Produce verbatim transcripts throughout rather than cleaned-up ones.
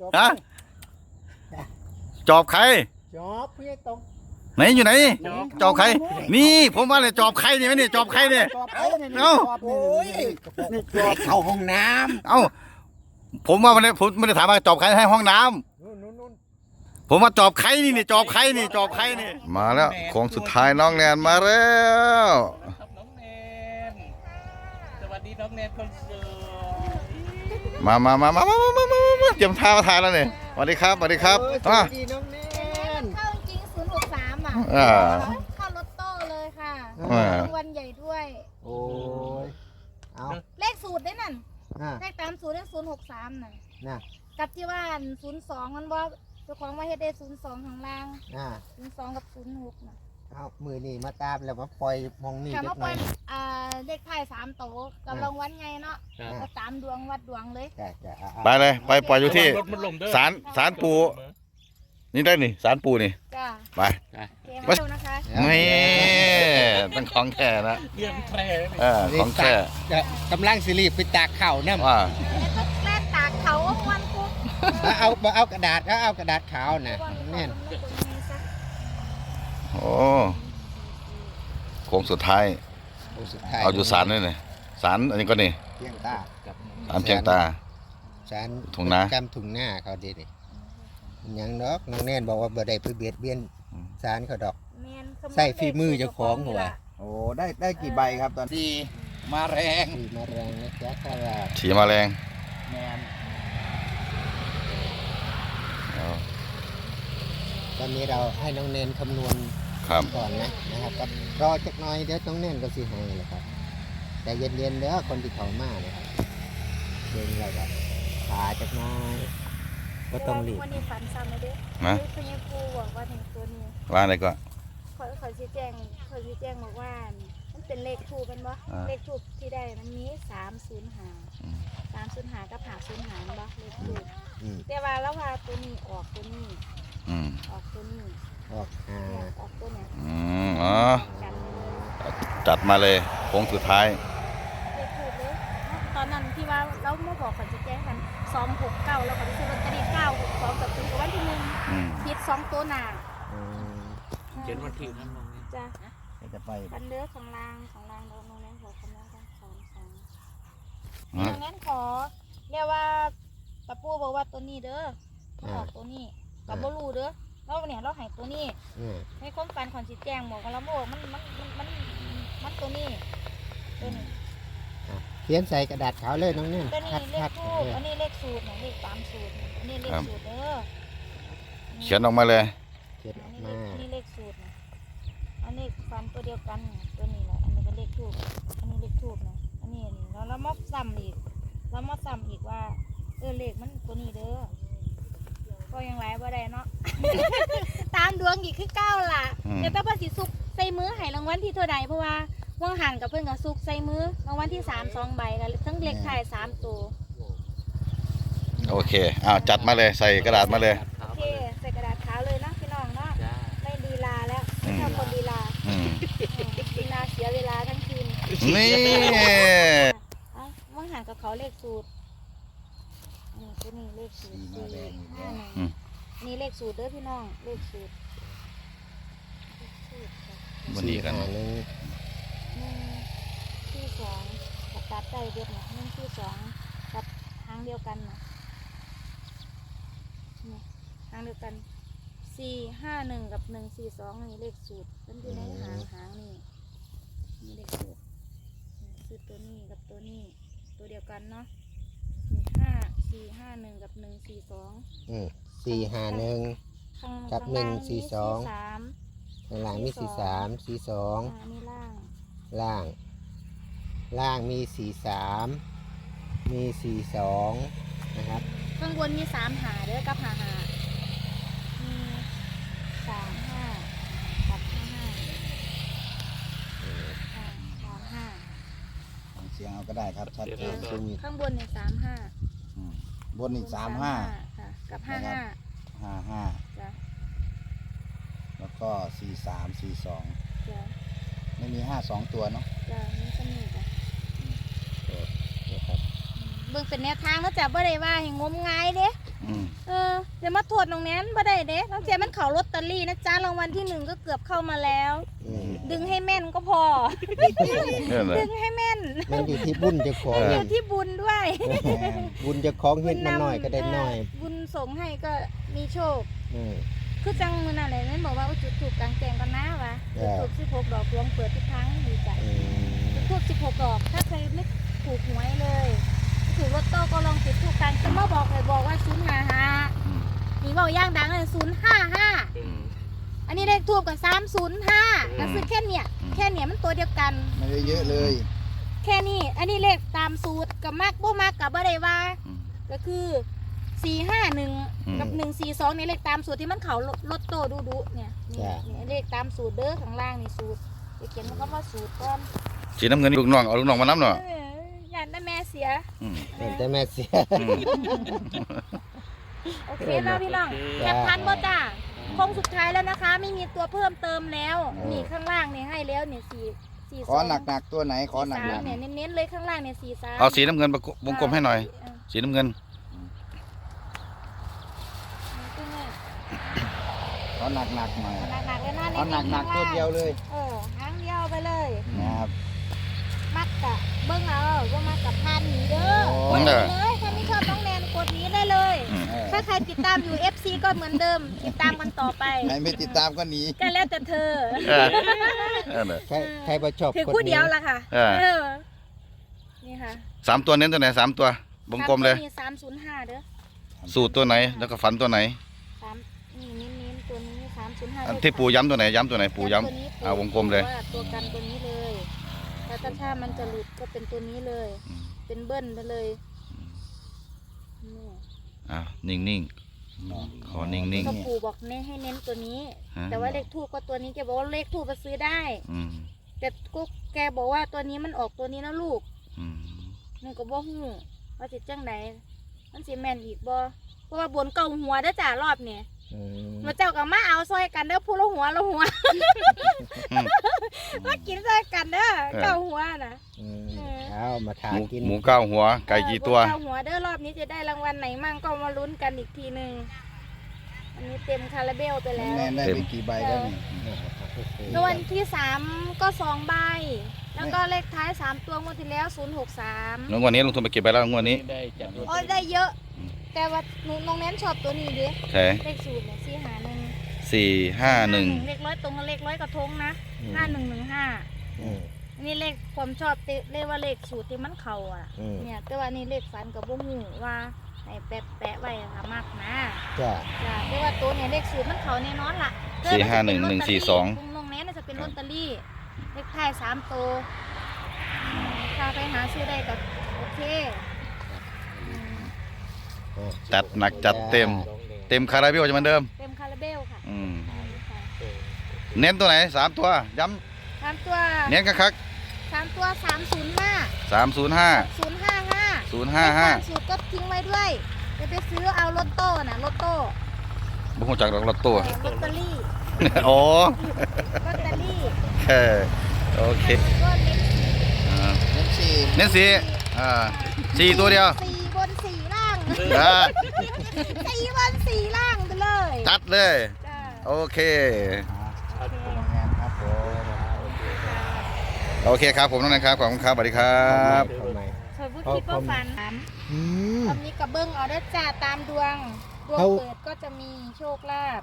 ฮะจอบใครจอบพี่ตรงไหนอยู่ไหนจอบใครนี่ผมว่าเลยจอบใครเนี่ยนี่จอบใครเนี่ยเอ้าโอ้ยนี่จอบเข้าห้องน้ำเอ้าผมว่ามันผมไม่ได้ถามว่าจอบใครให้ห้องน้ำผมว่าจอบใครนี่นี่จอบใครนี่จอบใครนี่มาแล้วโค้งสุดท้ายน้องแนนมาแล้วน้องแนนสวัสดีน้องแนนคนสวยมามามามามามามามาเตรียมท่ามาถ่ายแล้วเนี่ยสวัสดีครับสวัสดีครับอ่ะดีน้องแนนเข้าจริงศูนย์หกสามอ่ะอ่าเข้ารถโต้เลยค่ะอ่ารางวัลใหญ่ด้วยโอ้ยเอาเลขสูตรได้นั่นอ่ะเลขตามสูตรเลขศูนย์หกสามน่ะน่ะกับที่ว่าศูนย์สองมันว่าเจ้าของมาเฮ็ดได้ศูนย์สองข้างล่างอ่ะศูนย์สองกับศูนย์หกน่ะเอามือนี่มาตามแล้วมาปล่อยมองนี่ค่ะเล็มาก ปน้ล่ออย ยอ่าเลขท้ายสามโตวกับรางวัลไงเนาะก็ตามดวงวัดดวงเลยจ้ะจ้ะอ่ะอ่ะไปเลยไปปล่อยอยู่ที่รถมันลมเด้อศาลศาลปู่นี่ได้นี่ศาลปู่นี่จ้าไปเกมให้ดูนะคะนี่ต้องของแท้นะเรื่องแพร่เออของแท้จะกำลังสิรีบไปตากเข่าเนี่ยว่าแล้วก็แล่นตากเขาวันปุ๊บเอาเอาเอากระดาษเอาเอากระดาษขาวน่ะแน่นโอ้โค้งสุดท้ายโอ้สุดท้ายเอาอยู่ศาลนี่นี่ศาลอันนี้ก็นี่เพียงตาศาลเพียงตาสารถุงนากำถุงหน้าเขาดีดิยังดอกน้องแน่นบอกว่าบ่ได้ไปเบียดเบียนสารเขาดอกแม่นขโยใส่ฝีมือเจ้าของหัวโอ้ได้ได้กี่ใบครับตอนนี้มาแรงขี่มาแรงนะจ๊ะข้าราชฉีมาแรงแมนเอาตอนนี้เราให้น้องเนนคำนวณครับก่อนนะนะครับก็รอจักหน่อยเดี๋ยวน้องเนนก็สิให้แหละครับแต่เย็นๆเด้อคนที่เขามานะครับเดินเราแบบขาจักหน่อยก็ต้องรีบวันนี้ฝันซ้ำเลยเด้อนะคือยังครูบอกว่าถึงตัวนี้ว่าอะไรก็ขอขอชี้แจงขอชี้แจงบอกว่ามันเป็นเลขทูปเป็นบ่อ่าเลขทูปที่ได้มันมีสามศูนย์หาอืมสามศูนย์หากับหาศูนย์หาบ่เลขทูปอืมแต่ว่าแล้วว่าตัวนี้ออกตัวนี้อืมออกตัวนี้ออกอ่าเนี่ยออกตัวเนี้ยอืมอ๋อกันจัดมาเลยโค้งสุดท้ายเลขทูปเลยตอนนั้นที่ว่าเราเมื่อบอกขอชี้แจงกันสองหกเก้าแล้วก็ไปซื้อลอตเตอรี่เก้าหกสองกับตัววันที่หนึ่งอืมผิดสองตัวหน้าอืมเขียนวันที่นั่นลงนี่จ้ะจะไปคันเลือกของรางของรางเราโน้นนั้นขอคำนั้นกันสองสองอืมดังนั้นขอเรียกว่าตะปูบอกว่าตัวนี้เด้อมันออกตัวนี้กับบ่รู้เด้อเราเนี่ยเราใหายตัวนี้อืมให้ความฝันของสิแจ้งบอกว่าเราบอกมันมันมันมันมันตัวนี้ตัวนี้อ่ะเขียนใส่กระดาษขาวเลยน้องเนนตัวนี้คัดเลคัขดทูบอันนี้เลขสูตรเนี่ยเลขตามสูตรเนี่ยอันนี้เลขสูตรเด้อเขียนออกมาเลยเขียนออัอน กนี้มาเลขอันนี้เลขสูตรเนี่ยอันนี้ฟันตัวเดียวกันเนี่ยตัวนี้แหละอันนี้ก็เลขทูบอันนี้เลขทูบนะอันนี้นี่แล้วเรามาซ้ำอีกเรามาซ้ำอีกว่าเออเลขมันตัวนี้เด้อก็ยังไรบ่ได้เนาะ ตามดวงอีกคือเก้าล่ะอืมเดี๋ยวตาภาษีสุกใส่มือให้รางวัลที่เท่าใดเพราะว่าว่างหันกับเพื่อนกับสุกใส่มือรางวัลที่สามสองใบกันทั้งเลขไทายสามตัวโอเคอ้าวจัดมาเลยใส่กระดาษมาเลยโอเคใส่กระดาษขาวเลยนะพี่น้องเนาะไม่ลีลาแล้วไม่ทำคนลีลาอืมลีลาเสียเวลาทั้งคืนนี่เอ้าว่างหันกับเขาเลขสูตรนี่ตัวนี้เลขสูตรสี่ห้าหนึ่งอืมนี่เลขสูตรเด้อพี่น้องเลขสูตรเลขสูตรค่ะมันดีกันสี่ห้าหนึ่งหนึ่งที่สองกับตัดใจเดียวนะหนึ่งที่สองกับหางเดียวกันนะนี่หางเดียวกันสี่ห้าหนึ่งกับหนึ่งสี่สองนี่เลขสูตรมันอยู่ในหางหางนี่นี่เลขสูตรนี่คือตัวนี้กับตัวนี้ตัวเดียวกันเนาะนี่ห้าสี่ห้าหนึ่งกับหนึ่งสี่สองอืมสี่ห้าหนึ่งข้างกับข้างหนึ่ล่าง งสี่มีสองสามข้างล่างมีสี่สามสี่สองอ่านี่ล่างล่าง ล่างมีสี่สามมีสี่สองนะครับข้างบนมีสามหาเด้อกับหาหามีสามห้ากับห้าห้าอ่าสามห้าฟังเสียงเอาก็ได้ครับชัดเจนซึ่งข้างบนเนี่ยสามห้าอืมบนอีกสามห้าค่ะกับห้าห้าห้าห้าจ้ะแล้วก็สี่สามสี่สองจ้ะไม่มีห้าสองตัวเนาะจ้ะนี่ก็มีจ้ะนะครับเบิ่งเป็นแนวทางแล้วจ้ะบ่ได้ว่าให้งมงายเด้อืมเออจะมาโทษน้องแนนบ่ได้เด้น้องเจมันเขาลอตเตอรี่นะจ๊ะรางวัลที่หนึ่งก็เกือบเข้ามาแล้วอืมดึงให้แม่นก็พอเนี่ยเลยดึงให้แม่นมันอยู่ที่บุญเจะของอยู่ที่บุญด้วยบุญเจะของเฮ็ดมาหน่อยก็ได้หน่อยเบุญส่งให้ก็มีโชคอืมคือจังมือนั่นแหละนั่นบอกว่าจุดถูกกลางแจงกันนะวะเอจุดอถูกสิบหกดอกดวงเปิดทุกครั้งดีใจอืมถูกสิบหกดอกถ้าใครไม่ถูกหวยเลยถูกลอตโต้ก็ลองติดถูกกลางจะมาบอกเลยบอกว่าศูนย์ห้าห้านี่บอกย่างดังเลยศูนย์ห้าห้าอันนี้เลขทูบกับสามศูนย์ห้าก็คือแค่เนี่ยแค่เนี่ยมันตัวเดียวกันไม่ได้เยอะเลยแค่นี้อันนี้เลขตามสูตรกับมากบ่มากกับบ่ได้ว่า ก็คือสี่ห้าหนึ่งกับหนึ่งสี่สองในเลขตามสูตรที่มันเขาลอตโต้ดูดูเนี่ยนี่นี่เลขตามสูตรเด้อข้างล่างนี่สูตรจะเขียนมันก็ว่าสูตรก้อนสีน้ำเงินลูกน้องเอาลูกน้องมาน้ำหน่อยเออยันได้แม่เสียอืมเห็นแต่แม่เสียอืมโอเคแล้วพี่น้องแคปทันบ่จ้าคงสุดท้ายแล้วนะคะ ไม่มีตัวเพิ่มเติมแล้วนี่ข้างล่างเนี่ยให้แล้วเนี่ยสี่สี่ขอหนักๆตัวไหนขอหนัสามกเนี่ยเน้นๆเลยข้างล่างเนี่ยสี่สามเอาสีน้ำเงินวงกลมให้หน่อย สีน้ำเงินๆขอหนักๆหน่อยหนักๆเลยนะขอหนักๆตัวเดียวเลยเออหางเดียวไปเลยนะครับมักกะเบิ้งเอาว่ามักกับพันหนีเด้อโอ้กดหนีเลยถ้าไม่ชอบน้องแนนกดหนี้ได้เลยอืมเออถ้าใครติดตามอยู่ เอฟ ซี ก็เหมือนเดิม ติดตามกันต่อไปใครไม่ติดตามก็หนีก็แล้วแต่เธอเออเออเนี่ยใครใครบ่ชอบถือคนคู่นี้เดียวละค่ะเออเออนี่ค่ะสามตัวเน้นตัวไหนสามตัววงกลมเลยสามศูนย์ห้าเด้อสูตรตัวไหนแล้วก็ฝันตัวไหนสามนี่เน้นๆตัวนี้สามศูนย์ห้าอันที่ปู่ย้ำตัวไหนย้ำตัวไหนปู่ย้ตัวนี้ำเอาวงกลมเลยว่าตัวกันตัวนี้เลยแล้วถ้าถ้ามันจะหลุดก็เป็นตัวนี้เลยอืมเป็นเบิ้ลไปเลยนี่อ่านิ่งๆขอนิ่งก็ปู่บอกเน้นให้เน้นตัวนี้ฮะแต่ว่าเลขทูบก็ตัวนี้แกบอกว่าเลขทูบไปซื้อได้ๆอืมแต่ก็แกบอกว่าตัวนี้มันออกตัวนี้นะลูกอืมมันก็บ่ฮู้ว่าสิจังไดมันสิแม่นอีกบ่เพราะว่าบนเก่าหัวเด้อจ้ารอบเนี่ยอืมมาเจ้าก็มาเอาซอยกันเด้อผู้ละหัวละหัวอืมมากินซอยกันเด้อเออเก่าหัวน่ะอืมเออเอามาทาหมูกินหมูเก้าหัวไก่กี่ตัวเออบนเก่าหัวเด้อรอบนี้จะได้รางวัลไหนมั่งก็มาลุ้นกันอีกทีหนึงอันนี้เต็มคาราเบลไปแล้วแน่ได้ไปกี่ใบแล้วนี่รางวัลที่สามก็สองใบ แล้วก็เลขท้ายสามตัวงวดที่แล้วศูนย์หกสามแล้วงวดนี้ลงทุนไปเก็บไปแล้วงวดนี้ได้จากรถโอ้ยได้เยอะ แต่ว่าหนูน้องแนนชอบตัวนี้ดิแค่เลขสูตรเนี่ยสี่หาหนึ่งสี่ห้าหนึ่งเลขร้อยตรงกับเลขร้อยกระทงนะห้าหนึ่งหนึ่งห้าอืมนี่เลขความชอบเตเลขว่าเลขสูตรที่มันเข่าอ่ะอืมเนี่ยแต่ว่านี่เลขฝันกับบ่ฮู้ว่าให้แปะแปะไว้ค่ะมากนะจ้ะจ้ะแต่ว่าตัวเนี่ยเลขสูตรมันเข่าแน่นอนล่ะสี่ห้าหนึ่งหนึ่งสี่สองน้องแนนน่ะจะเป็นลอตเตอรี่เลขท้ายสามตัวอืมถ้าไปหาซื้อได้ก็โอเคอืมอ่ะจัดหนักจัดเต็ม เต็มคาราเบลจะเหมือนเดิมเต็มคาราเบลค่ะอืมอืมค่ะเน้นตัวไหนสามตัวย้สามตัวำเน้นคักสามตัวสามศูนย์ห้าๆสามศูนย์ห้าศูนย์ห้าห้าศูนย์ห้าห้าสูตรก็ทิ้งไว้ด้วยจะไปซื้อเอาลอตโต้น่ะลอตโต้บุคคลจากดอกลอตโต้ลอตเตอรี่โอ้ลอตเตอรี่แค่โอเคก็เน้นอ่าเน้นสี่เน้นสีอ่าสี่ตัวเดียวสี่บนสี่ล่างอ่าสี่บนสี่ล่างไปเลยจัดเลยจ้าโอเคโอเคโรงงานครับผมโอเคครับผมน้องนันครับขอบคุณครับสวัสดีครับทำไมเคยพูดคิดว่าฝันอืมตอนนี้กับเบิ้งเอาได้จ้าตามดวง ดวงเขาเปิดก็จะมีโชคลาภ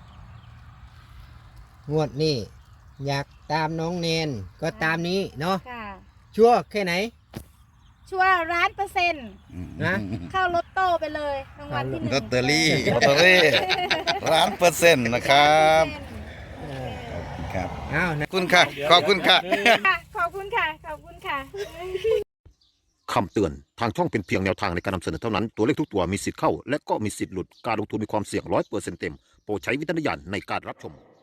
งวดนี้อยากตามน้องเนนก็ตามนี้เนาะค่ะชัวร์แค่ไหนชัวร์ร้านเปอร์เซ็นต์นะเข้าลอตโต้ไปเลยรางวัลที่หนึ่งลอตเตอรี่ลอตเตอรี่ร้านเปอร์เซ็นต์นะครับครับอ้าวนะขอบคุณค่ะ ขอบคุณค่ะค่ะขอบคุณค่ะ ขอบคุณค่ะคำเตือน ทางช่องเป็นเพียงแนวทางในการนำเสนอเท่านั้น ตัวเลขทุกตัวมีสิทธิ์เข้า และก็มีสิทธิ์หลุด การลงทุนมีความเสี่ยงร้อยเปอร์เซ็นต์เต็ม โปรดใช้วิจารณญาณในการรับชม